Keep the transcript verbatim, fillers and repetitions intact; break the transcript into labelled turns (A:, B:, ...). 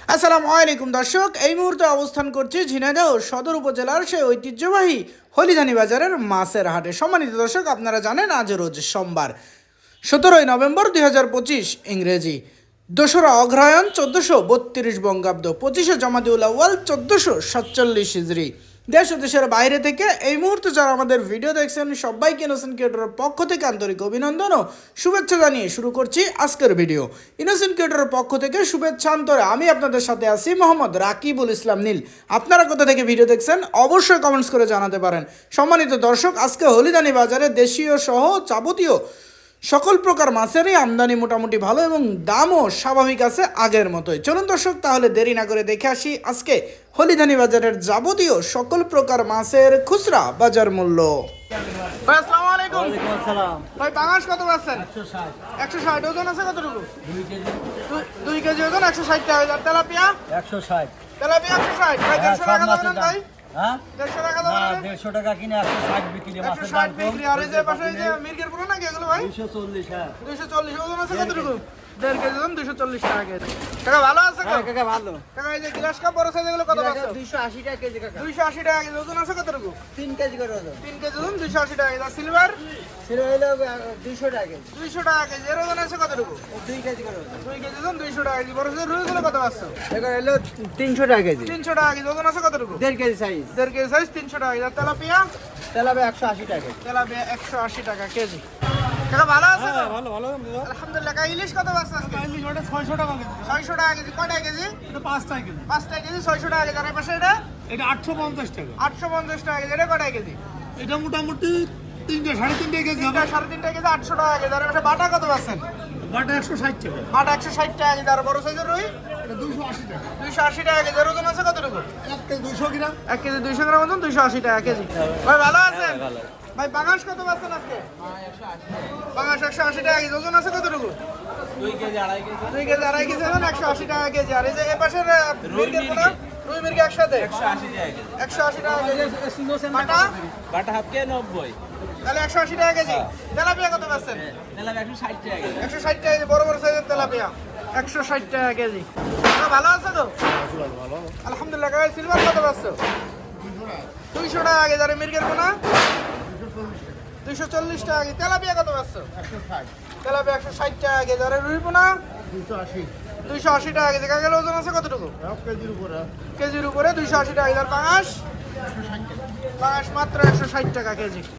A: আসসালামু আলাইকুম দর্শক, এই মুহূর্তে অবস্থান করছি ঝিনাইদহ সদর উপজেলার সেই ঐতিহ্যবাহী হলিধানি বাজারের মাছের হাটে। সম্মানিত দর্শক, আপনারা জানেন আজ রোজ সোমবার সতেরোই নভেম্বর দুই হাজার পঁচিশ ইংরেজি, দোসরা অগ্রহায়ণ চোদ্দোশো বত্রিশ বঙ্গাব্দ, পঁচিশে জমাদিউল আউয়াল চোদ্দোশো সাতচল্লিশ হিজরি। দেশ ও দেশের বাইরে থেকে এই মুহূর্তে যারা আমাদের ভিডিও দেখছেন সবাইকে ইনোসেন্ট ক্রিয়েটরের পক্ষ থেকে আন্তরিক অভিনন্দন ও শুভেচ্ছা জানিয়ে শুরু করছি আজকের ভিডিও। ইনোসেন্ট ক্রিয়েটরের পক্ষ থেকে শুভেচ্ছা অন্তরে আমি আপনাদের সাথে আছি মোহাম্মদ রাকিবুল ইসলাম নীল। আপনারা কোথা থেকে ভিডিও দেখছেন অবশ্যই কমেন্টস করে জানাতে পারেন। সম্মানিত দর্শক, আজকে হলিধানি বাজারে দেশীয় সহ যাবতীয় সকল প্রকার মাছেরই আমদানি মোটামুটি ভালো এবং দামও স্বাভাবিক আছে আগের মতোই। চলুন দর্শক, তাহলে দেরি না করে দেখে আসি আজকে হলিধানি বাজারের যাবতীয় সকল প্রকার মাছের খুচরা বাজার মূল্য। ভাই আসসালামু আলাইকুম।
B: ওয়ালাইকুম আসসালাম।
A: ভাই পাঙাশ কত পাচ্ছেন?
B: একশো ষাট।
A: একশো ষাট ওজন আছে কতটুকু?
B: দুই কেজি।
A: দুই- দুই কেজি ওজন একশো ষাট টাকা। আর তেলাপিয়া?
B: একশো ষাট।
A: তেলাপিয়া একশো ষাট। ভাই
B: হ্যাঁ,
A: দেড়শো
B: সব
A: টাকা
B: মাছের
A: দেবেন
B: দাম।
A: ভাই?
B: হ্যাঁ?
A: দেড়শো টাকা
B: না,
A: দেবেন?
B: দেড়শো টাকা কিনে একশো ষাট বিক্রি,
A: একশো
B: মাছের
A: ষাট
B: দাম কম।
A: বিক্রি। আর এই যে পাশে এই যে মির্গের পুরো নাকি এগুলো ভাই?
B: দুইশো চল্লিশ, হ্যাঁ।
A: দুইশো চল্লিশ ওজন আছে কতটুকু? দেড় কেজি ওজন দুইশো চল্লিশ টাকা কেজি। কাকা ভালো আছে
B: হ্যাঁ,
A: কাকা?
B: কাকা ভালো।
A: কাকা এই যে গ্লাস কাপ বড় সাইজ এগুলো কত পাচ্ছ?
B: দুইশো আশি টাকা কেজি কাকা।
A: দুইশো আশি টাকা কেজি। ওজন আছে কতটুকু?
B: তিন কেজি করে ওজন।
A: তিন কেজি ওজন দুইশো আশি টাকা কেজি। আর সিলভার?
B: ছিল হইলো দুইশো টাকা কেজি।
A: দুইশো টাকা কেজি। এর ওজন আছে কতটুকু?
B: দুই কেজি করে ওজন।
A: দুই কেজি ওজন দুইশো টাকা কেজি। বড় সাইজের রুইগুলো কত পাচ্ছ?
B: এগুলো হইলো তিনশো টাকা কেজি।
A: তিনশো টাকা কেজি। ওজন আছে কতটুকু?
B: দেড় কেজি সাইজ।
A: দেড় কেজি সাইজ তিনশো টাকা কেজি। আর তেলাপিয়া?
B: তেলাবে একশো আশি টাকা কেজি।
A: তেলাপিয়া একশো আশি টাকা কেজি। কাকা ভালো আছে তো?
B: ভালো ভালো।
A: আলহামদুলিল্লাহ। কাকা ইলিশ কত পাচ্ছ আজকে?
B: ছয়শো টাকা কেজি।
A: ছয়শো টাকা কেজি। কয়টা কেজি?
B: এটা পাঁচ টাকা কেজি।
A: পাঁচটা কেজি ছয়শো টাকা কেজি। আর এই পাশে এটা
B: এটা আটশো পঞ্চাশ টাকা।
A: আটশো পঞ্চাশ টাকা কেজি। এটা কয়টা কেজি?
B: এটা মোটামুটি তিনটে সাড়ে তিনটে কেজি
A: তিনটা সাড়ে তিনটা কেজি আটশো টাকা কেজি। আর এই পাশে বাটা কত পাচ্ছেন?
B: বাটা একশো ষাট টাকা।
A: বাটা একশো ষাট টাকা কেজি। আর বড় সাইজের রুই
B: এটা দুইশো আশি টাকা।
A: দুইশো আশি টাকা কেজি। এর ওজন আছে কতটুকু?
B: এক কেজি দুইশো গ্রাম।
A: এক কেজি দুইশো গ্রাম ওজন দুইশো আশি টাকা কেজি। ভাই ভালো আছেন? ভাই পাঙাশ কত পাচ্ছেন আজকে? পাঙাশ একশো আশি টাকা কেজি। ওজন আছে কতটুকু?
B: দুই কেজি আড়াই কেজি।
A: দুই কেজি আড়াই কেজি ওজন একশো আশি টাকা কেজি। আর এই যে এ পাশের মির্গের পোনা রুই মির্গে একসাথে
B: একশো আশি টাকা কেজি।
A: একশো আশি টাকা কেজি। বাটা
B: বাটা হাফ কে নব্বই।
A: তাহলে একশো আশি টাকা কেজি। তেলাপিয়া কত পাচ্ছেন?
B: নিলাম একশো ষাট টাকা কেজি।
A: একশো ষাট টাকা কেজি। বড় বড় সাইজের তেলাপিয়া একশো ষাট টাকা কেজি। তো ভালো আছে তো? আলহামদুলিল্লাহ। কাকা সিলভার কত পাচ্ছ? দুইশো টাকা কেজি। আর এই মির্গের পোনা দুইশো চল্লিশ টাকা কেজি। তেলাপিয়া কত পাচ্ছ? তেলাপিয়া একশো ষাট টাকা কেজি। আর এই রুই পোনা দুইশো আশি টাকা কেজি। কাকার ওজন আছে কতটুকু? কেজির উপরে দুইশো আশি টাকা কেজি। আর পাঙাশ? পাঙাশ মাত্র একশো ষাট টাকা কেজি।